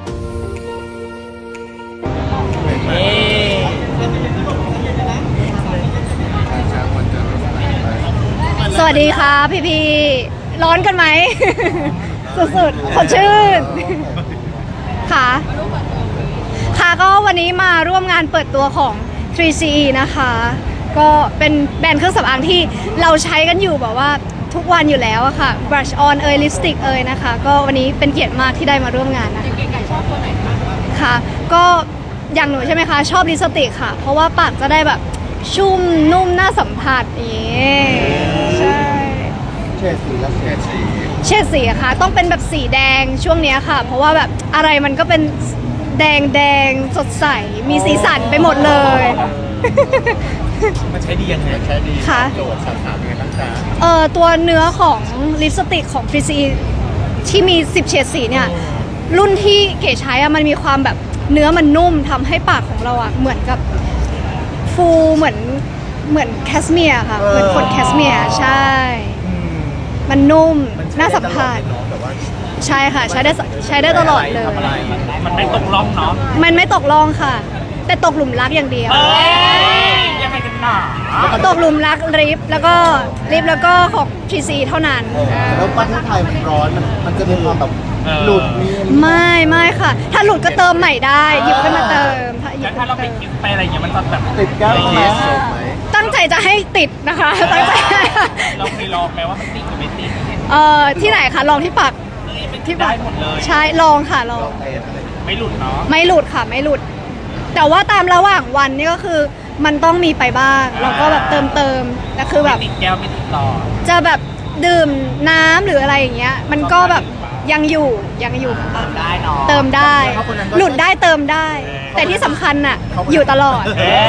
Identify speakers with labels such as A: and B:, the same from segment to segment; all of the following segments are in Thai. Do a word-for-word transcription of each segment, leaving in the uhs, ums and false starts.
A: สวัสดีค่ะพี่พี่ร้อนกันไหม สุดๆสดชื่นค่ะค่ะก็วันนี้มาร่วมงานเปิดตัวของ ทรี ซี อี นะคะก็เป็นแบรนด์เครื่องสำอางที่เราใช้กันอยู่แบบว่าทุกวันอยู่แล้วอะค่ะ brush on เอยลิปสติกเอยนะคะก็วันนี้เป็นเกียรติมากที่ได้มาร่วมงานนะคะเก๋ๆชอบตัวไหนคะค่ะก็อย่างหนูใช่ไหมคะชอบลิปสติกค่ะเพราะว่าปากจะได้แบบชุ่มนุ่มน่าสัมผัสอย่างนี้ใช่
B: เฉดสีและเฉดสี
A: เฉดสีอะค่ะต้องเป็นแบบสีแดงช่วงนี้ค่ะเพราะว่าแบบอะไรมันก็เป็นแดงแดงสดใสมีสีสันไปหมดเลย
C: มันใช้ดียังไงใช้ดี
A: ค่ะ
C: โจทย์สามยังไงบ้างจ๊ะ
A: เอ่อตัวเนื้อของลิปสติกของ ทรี ซี อี ที่มีสิบเฉดสีเนี่ยรุ่นที่เก๋ใช้อะมันมีความแบบเนื้อมันนุ่มทำให้ปากของเราอะเหมือนกับฟูเหมือนเหมือนแคสเมียร์ค่ะเหมือนขนแคสเมียร์ใช่มันนุ่มน่าสัมผัสใช่ค่ะใช้ได้ใช้ได้ตลอดเลย
C: มันไม่ตกล่องเนาะ
A: มันไม่ตกล่องค่ะแต่ตกหลุมรักอย่างเดียว
C: ยังไงกันหนา
A: ตกหลุมรักลิปแล้วก็ลิปแล้วก็ของ ทรี ซี เท่านั้น
B: แล้วประเทศไทยมันร้อนมันมันจะมีความแบบหลุดมี
A: ไม่ไม่ค่ะถ้าหลุดก็เติมใหม่ได้หยิบขึ้นมาเติม
C: แล้วถ้าเราไปคิดไปอะไรอย่างเงี้ยมันจะแบบ
B: ติดแก้วไหม
A: ตั้งใจจะให้ติดนะคะตั้งใจ
C: เราเคยลองไหมว่ามันติดหรือไม่ติด
A: เอ่อที่ไหนคะลองที่ปาก
C: ที่ได้หมดเลย
A: ใช่ลองค่ะลอง
C: ไม่หลุดเนาะ
A: ไม่หลุดค่ะไม่หลุดแต่ว่าตามระหว่างวันนี่ก็คือมันต้องมีไปบ้างแล้วก็แบบเติมเติมแต่คือแบบ
C: ติดแก้วไม่ติดหลอด
A: จะแบบดื่มน้ำหรืออะไรอย่างเงี้ยมันก็แบบยังอยู่ยังอยู่
C: ได้เนาะ
A: เติมได้หลุดได้เติมได้ แต่ที่สำคัญน่ะอยู่ตลอด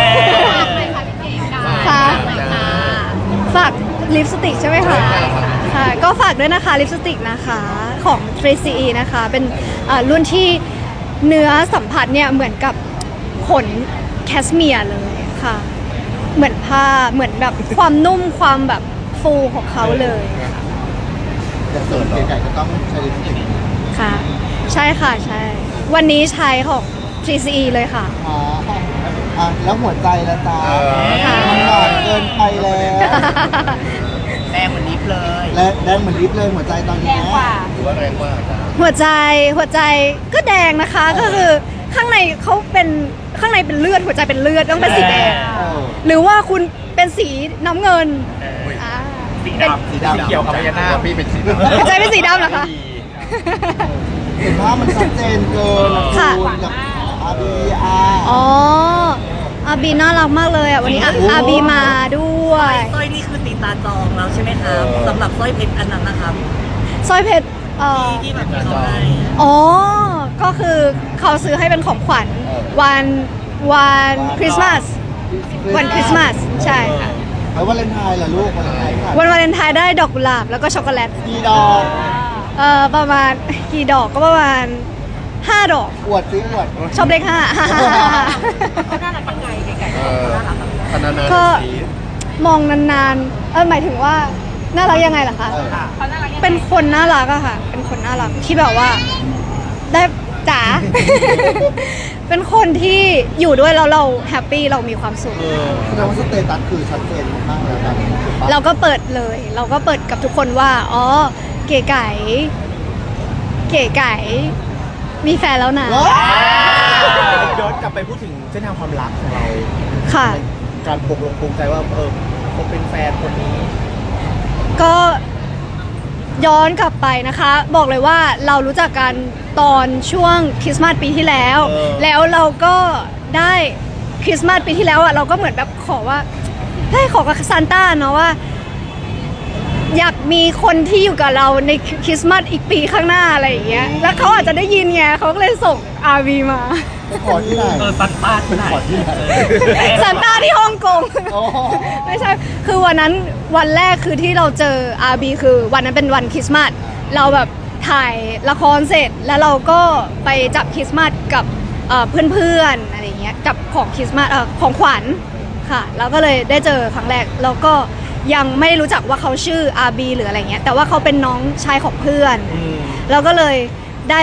A: ค่ะฝากลิปสติกใช่ไหมคะค่ะก็ฝากด้วยนะคะลิปสติกนะคะของ ทรี ซี อี นะคะเป็นรุ่นที่เนื้อสัมผัสเนี่ยเหมือนกับขนแคสเมียร์เลยค่ะเหมือนผ้าเหมือนแบบความนุ่มความแบบฟูของเขาเลย
B: แต่ส่วนใหญ่ก็ต้องใช้ลิปสติก
A: ค่ะใช่ค่ะใช่วันนี้ใช้ของ ทรี ซี อี เลยค่ะ
B: อ๋ออ่ะแล้วหัวใจละจ้ามันหวานเกินไปแล้ว
C: แดงเหมือนลิปเลย
B: และแดงเหมือนลิปเลยหัวใจตอนนี้แดงกว่า
C: หรือว่าแรงกว่า
A: หัวใจหัวใจก็แดงนะคะก็คือข้างในเขาเป็นข้างในเป็นเลือดหัวใจเป็นเลือดต้องเป็นสีแดงหรือว่าคุณเป็นสีน้ำเงิน
C: สีดำสีดำเขียวกับพญานาคพี่เป็นสีดำ
A: หัวใจเป็นสีดำเหรอคะ
B: เห็นภาพมันชัดเจนเกินค่ะกับอาบีอา
A: อ๋ออาบีน่ารักมากเลยอ่ะวันนี้อาบีมาด้วย
D: สร้อยนี่คือตีตาจองแล้วใช่ไหมครับสำหรับสร้อยเพชรอันนั้นนะครับ
A: สร้อยเพชร
D: ที่แบบเขาให้
A: อ๋อก็คือเขาซื้อให้เป็นของขวัญวันวันคริสต์มาสวันคริสต์มาสใช่ค่ะ
B: แล้ววาเลนไทน์เหรอลูกวาเลนไทน์
A: วันวาเลนไทน์ได้ดอกกุหลาบแล้วก็ช็อกโกแลต
B: กี่ดอก
A: เอ่อประมาณกี่ดอกก็ประมาณห้าดอก
B: อวดซิอวด
A: ชอบเลขห้า
D: เขาน่ารักยังไงไก่ๆน่ารัก
A: ก็มองนานๆเออหมายถึงว่าน่ารักยังไงล่ะคะเป็นคนน่ารักอะค่ะเป็นคนน่ารักที่แบบว่าได้จ๋าเป็นคนที่อยู่ด้วยแล้วเราแฮปปี้เรามีความสุข
B: แสดงว่าสเตตัสคือชัดเจนมากแล้วครับ
A: เราก็เปิดเลยเราก็เปิดกับทุกคนว่าอ๋อเก๋ไก่เก๋ไก่มีแฟนแล้วนะ
C: ย้อนกลับไปพูดถึงเส้นทางความรักของเรา
A: ค่ะ
C: การปลุกลงภูมิใจว่าเออผมเป็นแฟนคนนี้
A: ก็ย้อนกลับไปนะคะบอกเลยว่าเรารู้จักกันตอนช่วงคริสต์มาสปีที่แล้วแล้วเราก็ได้คริสต์มาสปีที่แล้วอ่ะเราก็เหมือนแบบขอว่าให้ขอกับซานต้าเนาะว่าอยากมีคนที่อยู่กับเราในคริสต์มาสอีกปีข้างหน้าอะไรอย่างเงี้ยแล้วเขาอาจจะได้ยินไงเขาก็เลยส่ง อาร์ วี มา
B: ขอที่ไหน
C: เออซานต้าที่ไหน
A: ซานต้าที่ฮ่องกงไม่ใช่คือวันนั้นวันแรกคือที่เราเจอ อาร์ บี คือวันนั้นเป็นวันคริสต์มาสเราแบบถ่ายละครเสร็จแล้วเราก็ไปจับคริสต์มาสกับเพื่อนๆอะไรเงี้ยกับของคริสต์มาสของขวัญค่ะแล้วก็เลยได้เจอครั้งแรกแล้วก็ยังไม่รู้จักว่าเขาชื่อ อาร์ บี หรืออะไรเงี้ยแต่ว่าเขาเป็นน้องชายของเพื่อนเราก็เลยได้แบบ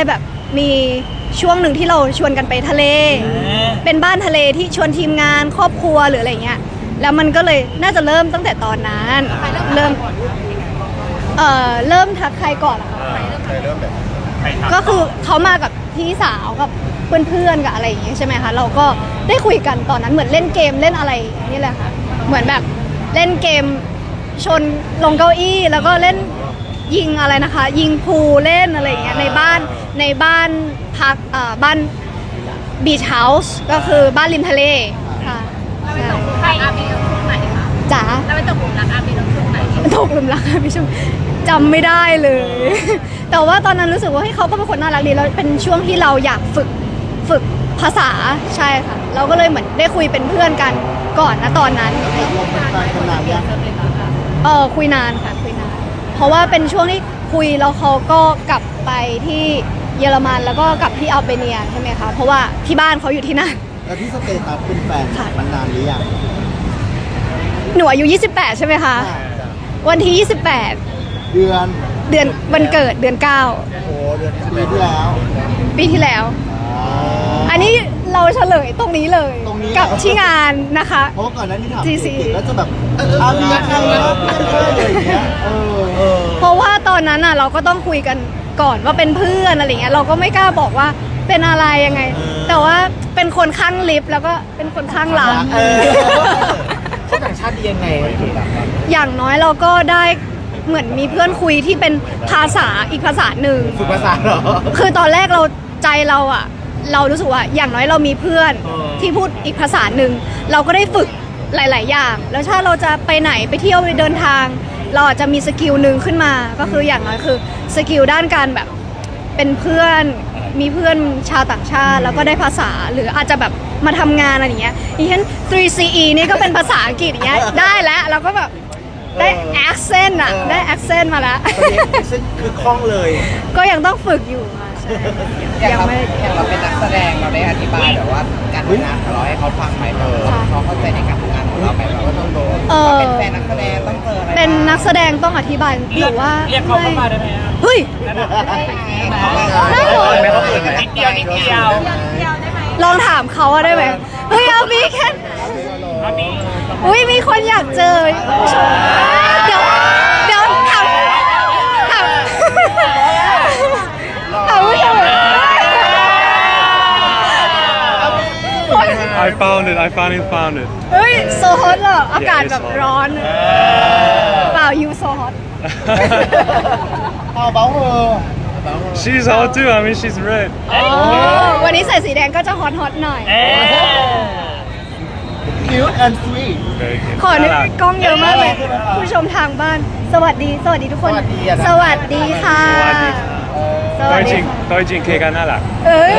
A: มีช่วงหนึ่งที่เราชวนกันไปทะเล เป็นบ้านทะเลที่ชวนทีมงานครอบครัวหรืออะไรเงี้ยแล้วมันก็เลยน่าจะเริ่มตั้งแต่ตอนนั้นเริ่มเอ่อเริ่มทักใครก่อนอะคะ
B: เคยเริ่มแบบ
A: ก็คือเขามากับพี่สาวกับเพื่อนๆกับอะไรอย่างเงี้ยใช่ไหมคะเราก็ได้คุยกันตอนนั้นเหมือนเล่นเกมเล่นอะไรนี่แหละค่ะเหมือนแบบเล่นเกมชนลงเก้าอี้แล้วก็เล่นยิงอะไรนะคะ ยิงพูลเล่นอะไรอย่างเงี้ยในบ้านในบ้านพักเอ่อบ้านบีชเฮาส์ก็คือบ้านริมทะเลค่ะใช่
E: ใครอาบีตรงช่วงไหนคะ
A: จ๋า
E: แล้วไปตกหลุมรักอาบีตรงช่วงไหน
A: ตกหลุมรักพี่ชมจำไม่ได้เลย แต่ว่าตอนนั้นรู้สึกว่าเฮ้ยเขาก็เป็นคนน่ารักดีแล้วเป็นช่วงที่เราอยากฝึกฝึกภาษาใช่ค่ะ เราก็เลยเหมือนได้คุยเป็นเพื่อนกันก่อนนะตอนนั้น
B: ตกลงเป็นแฟนกันนานยัง
A: เออคุยนานค่ะคุยนานเพราะว่าเป็นช่วงที่คุยแล้วเขาก็กลับไปที่เยอรมันแล้วก็กลับที่อัลเบเนียใช่ไหมคะเพราะว่าที่บ้านเขาอยู่ที่นั่น
B: แล้วที่สเตตัสเป็นแฟน
A: ค่ะ
B: มันนานหรือยัง
A: หนูอายุยี่สิบแปดใช่ไหมคะวันที่ยี่สิบแปด
B: เดือน
A: เดือนวันเกิดเดือนเก้า
B: โอ้โหเดือนปีที่แล้ว
A: ปีที่แล้ว
B: อ๋อ
A: อันนี้เราเฉลยตรงนี้เลย
B: ตรงนี้
A: กับที่งานนะคะ
B: เพราะว่าก่อนหน้านี้ถาม
A: จี ซี
B: เด็กๆแล้วจะแบบอาเบียใครนะเพื่อนเพื่อนอะไรอย่างเงี้ยเออเออ
A: เพราะว่าตอนนั้นอ่ะเราก็ต้องคุยกันก่อนว่าเป็นเพื่อนอะไรเงี้ยเราก็ไม่กล้าบอกว่าเป็นอะไรยังไง แต่ว่าเป็นคนข้างลิฟต์แล้วก็เป็นคนข้างหลัง
B: เออ
C: เขาต่างชาติดียังไงเก๋
A: อย่างน้อยเราก็ได้เหมือนมีเพื่อนคุยที่เป็นภาษาอีกภาษาหนึ่ง
C: ฝึกภาษาเหรอ
A: คือตอนแรกเราใจเราอะเรารู้สึกว่าอย่างน้อยเรามีเพื่อน
C: เออ
A: ที่พูดอีกภาษาหนึ่งเราก็ได้ฝึกหลาย ๆ อย่าง แล้วถ้าเราจะไปไหนไปเที่ยวไปเดินทาง เราอาจจะมีสกิลหนึ่งขึ้นมา ก็คืออย่างน้อยคือสกิลด้านการแบบเป็นเพื่อนมีเพื่อนชาวต่างชาติ แล้วก็ได้ภาษาหรืออาจจะแบบมาทำงานอะไรอย่างเงี้ยอย่างเช่น ทรี ซี อี นี่ก็เป็นภาษาอังกฤษอย่างเงี้ยได้แล้วเราก็แบบได้ accent อะได้ accent มาแล้ว
C: ตอนนี้ซึ่งคือคล่องเลย
A: ก็ยังต้องฝึกอยู่ค่ะใช่
F: อย่าง
A: ยัง
F: เรา
A: ไม่
F: อย่างเราเป็นนักแสดงเราได้อธิบายแบบว่าการทำงานของเราให้เขาฟังไหมแบบว่าเขาเข้าใจในการทำงานของเราไหมแบบว่าต้องโดน
A: เออ
F: เป็นแฟนนักแสดงต้องเจออะไร
A: เป็นนักแสดงต้องอธิบายหรือว่า
C: เรียกเขาเข้ามาได้ไหมอะ
A: เฮ้ย ได้เหรอ
C: ไม่เขาเปิดไหมนิดเดียวนิดเดียว
A: ลองถามเขาอะได้ไหมเฮ้ยเอาบีแค่อุ้ยมีคนอยากเจอผู้ชมเดี๋ยวเดี๋ยวถามถามถามผู้ชม
G: I found it. I finally found it.
A: เฮ้ยโซฮอตเหรออากาศแบบร้อนเปล่ายูโซฮอต
B: เอาเบาเออ
G: She's hot too. I mean, she's red.
A: วันนี้ใส่สีแดงก็จะฮอตฮอตหน่อย
B: cute and sweet
G: Very good.
A: ขอนึก
G: น่ารัก
A: กล้องเยอะมากเลย ผู้ชมทางบ้าน สวัสดี สวัสดีทุกคน สวัสดีค่ะ
G: สวัสดี
A: สวั
G: ตัว
A: ส
G: จ
A: ดี
G: ริง
A: ค่ะ
G: ตัวจริงเคกันน่ารัก
A: เอ้ย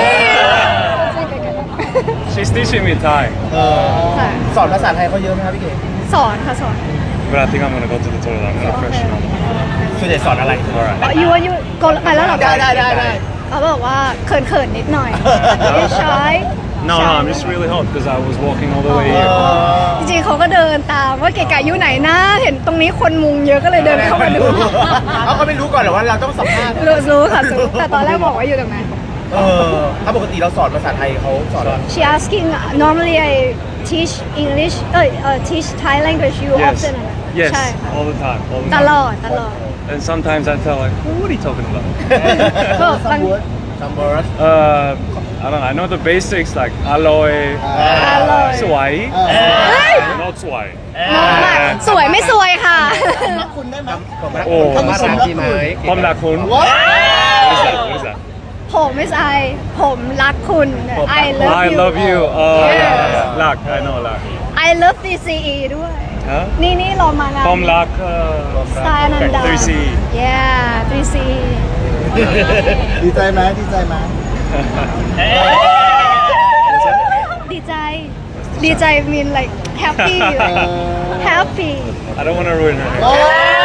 G: She's teaching me Thai,
B: เออ
A: ค่ะ
C: สอนภาษาไทยเขาเยอะไหมครับพี่เก๋
A: สอนค่ะสอน
G: but I think I'm gonna go to the toilet. I'm gonna freshen up.
C: ส่วนใหญ่สอนอะไร
G: All right.
A: ยูว่ายูโกไปแล้วเหรอ
C: ได้ได้ได้ได้
A: เขาบอกว่าเขินเขินๆนิดหน่อยไม่ใช่
G: No, no, I'm just really hot because I was walking all the way here.
A: จริงๆเขาก็เดินตามว่าเก๋ไก่อยู่ไหนนะ เห็นตรงนี้คนมุงเยอะก็เลยเดินเข้ามาดู
C: เขาก็ไม่รู้ก่อนเหรอว่าเราต้องสัมภาษณ์
A: รู้รู้ค่ะรู้แต่ตอนแรกบอกว่าอยู่ตรงไหน
C: เออถ้าปกติเราสอนภาษาไทยเขาสอนเรา
A: She asking normally I teach English เอ้ยเอ่อ teach Thai language you
G: Yes,
A: often อะ
G: yes,
A: ใช่ค่ะ
G: all the time, all the
A: ต
G: time.
A: ลอดตลอด
G: And sometimes I tell like, what are you talking about?
A: ก็บาง
C: ซัมเบอร์ส
G: Uh, I don't know. I know the basics like aloe,
A: อร่อย
G: swai,
A: เฮ้ย
G: not swai.
A: สวยไม่สวยค่ะ
B: คุณได้ไหม
G: โอ้
B: คำว่าสมรักคุณ
G: Pom la kun.
B: ว้า
G: What is that? What is that?
A: ผมไม่ใช่ผมรักคุณ I love
G: I
A: you
G: love you. Oh,
A: Yeah.
G: yeah. Lak, I know lak.
A: I love ทรี ซี อี ด้วย
G: Huh?
A: นี่นี่เรามางาน
G: Pom lak.
A: สไตล์อนันดา
G: ทรี ซี
A: yeah ทรี ซี
B: ดีใจไหมดีใจไหม
A: ดีใจ ดีใจ mean like happy like happy
G: I don't want to ruin her.
B: โอ้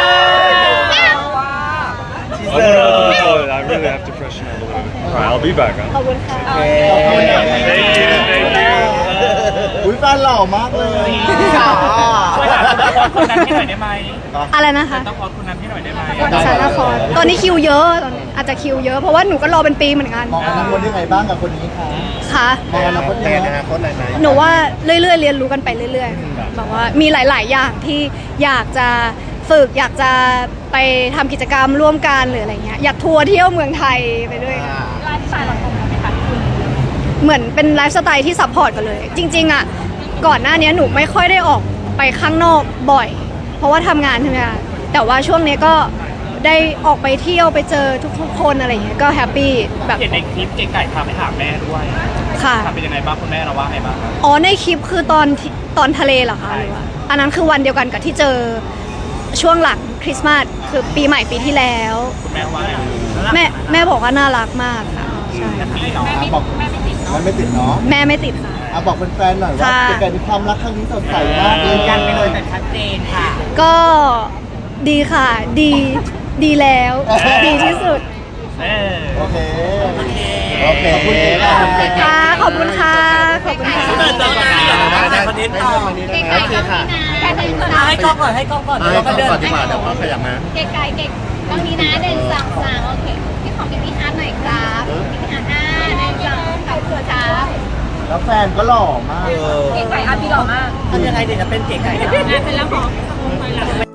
G: I'm gonna go to the toilet. I really have to freshen up a little bit. Alright, I'll be back.
A: ขอบคุณค่ะ
G: Thank you. Thank you.
B: อุ้ยแฟนหล่อมากเลย
C: ช่วยถามคนนั้นให้หน่อยได้ไหม
A: อะไรนะคะ
C: ต้องขอคนนั้นให้หน่อยได้ไหม
A: สารครตอนนี้คิวเยอะตอนนี้อาจจะคิวเยอะเพราะว่าหนูก็รอเป็นปีเหมือนกัน
B: มองอนาคตยังไงบ้างกับคนนี้คะ
A: ค่ะ
B: มองอนาคตยังไง
C: อนาคตอะไรไหม
A: หนูว่าเรื่อยๆเรียนรู้กันไปเรื่อยๆแบบว่ามีหลาย ๆ อย่างที่อยากจะฝึกอยากจะไปทำกิจกรรมร่วมกันหรืออะไรเงี้ยอยากทัวร์เที่ยวเมืองไทยไปด้วยกัน
E: ไลฟ์สไตล์เราตรงกันไหมคะคุณ
A: เหมือนเป็นไลฟ์สไตล์ที่ซัพพอร์ตกันเลย จริง ๆอ่ะก่อนหน้านี้หนูไม่ค่อยได้ออกไปข้างนอกบ่อย เพราะว่าทำงานใช่ไหมคะแต่ว่าช่วงนี้ก็ได้ออกไปเที่ยวไปเจอทุกๆคนอะไรเงี้ยก็แฮปปี้แบบ
C: เห็นในคลิปเจ๊ไก่พาไปหาแม่ด้วย
A: ค่ะ
C: ทำเป็นยังไงบ้างคุณแม่เราว่าไงบ้างครับ
A: อ๋อในคลิปคือตอนที่ตอนทะเลเหรอคะหรือว่าอันนั้นคือวันเดียวกันกับที่เจอช่วงหลังคริสต์มาสคือปีใหม่ปีที่แล้ว
C: คุณแม่ว่าไง
A: แม่แม่บอกว่าน่ารักมากค่ะใช่
C: พี่เนาะ
B: อ่ะบอกมันไม่ติดเนาะ
A: แม่ไม่ติดค่ะ
B: อ่ะบอกแฟนๆหน่อยว่า
A: ค่ะ
B: เป็นการมีความรักครั้งนี้สดใสมาก
D: ยืนยันไปเลยแต่ชัดเจนค่ะ
A: ก็ดีค่ะ ดีดีแล้ว ดีที่สุด
C: เออ
B: โอเค
D: โอเค
B: โอเคขอบคุณค่ะ
A: ค่ะ ขอบคุณค่ะ ขอบคุณค่ะ
D: เดินต่อนะเดี๋ยวเราได้คอนเทนต์ต่อ
E: เก๋ไก่ต้องนี้นะแค่หนึ่งสอง
D: อ่ะให้กล้องก่อนให้กล้องก่อนเดี๋ยวเราก็เดิน
C: ดีกว่าเดี๋ยวเขาขยับมา
E: เก๋ไก่เก๋ต้องนี้นะหนึ่งสองสามโอเคพี่ของพี่พี่ฮาร์ดหน่อยครับพี่พี่ฮาร์ดห้าหนึ่งสองขอบคุณครับ
B: แล้วแฟนก็หล่อมาก
E: เก๋ไก่อาร์ตพี่หล่อมาก
D: ทำยังไงเดี๋ยวจะเป็นเก๋ไก่นะ
E: งานเสร็จแล้วขอ